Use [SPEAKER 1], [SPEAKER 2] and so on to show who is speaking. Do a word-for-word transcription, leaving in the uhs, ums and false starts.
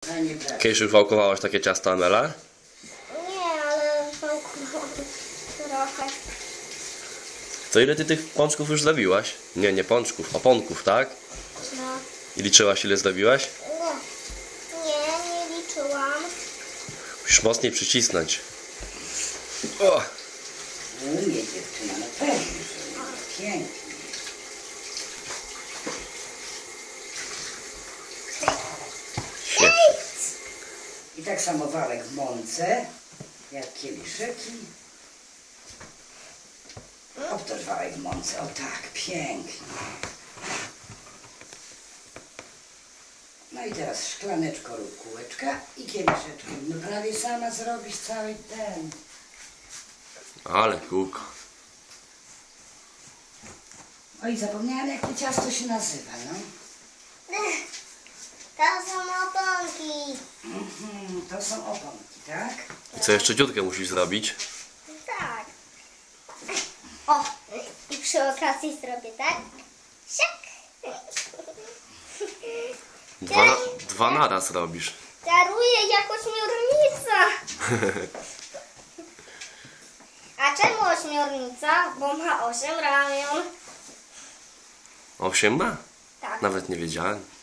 [SPEAKER 1] fajnie brać.
[SPEAKER 2] Kiedyś już wałkowałaś takie ciasto, Amela?
[SPEAKER 3] Nie, ale wałkowałam trochę.
[SPEAKER 2] To ile ty tych pączków już zdobiłaś? Nie, nie pączków, oponków, tak?
[SPEAKER 3] No.
[SPEAKER 2] I liczyłaś, ile zdobiłaś?
[SPEAKER 3] Nie, nie, nie liczyłam.
[SPEAKER 2] Musisz mocniej przycisnąć. O!
[SPEAKER 1] Umie dziewczyna, no pewnie, że umie. Pięknie.
[SPEAKER 2] Świetnie.
[SPEAKER 1] I tak samo wałek w mące, jak kieliszeki. Obtoż wałek w mące, o tak, pięknie. No i teraz szklaneczko lub kółeczka i kieliszeczkiem. No prawie sama zrobisz cały ten.
[SPEAKER 2] Ale kółko.
[SPEAKER 1] O i zapomniałam, jak to ciasto się nazywa, no.
[SPEAKER 3] To są oponki.
[SPEAKER 1] Mhm, to są oponki, tak?
[SPEAKER 2] I co jeszcze dziutkę musisz zrobić?
[SPEAKER 3] Tak. O, i przy okazji zrobię tak. Siak.
[SPEAKER 2] Dwa, na, dwa naraz robisz.
[SPEAKER 3] Daruję jako ośmiornica. A czemu ośmiornica? Bo ma osiem ramion.
[SPEAKER 2] Osiem ma?
[SPEAKER 3] Tak.
[SPEAKER 2] Nawet nie wiedziałem.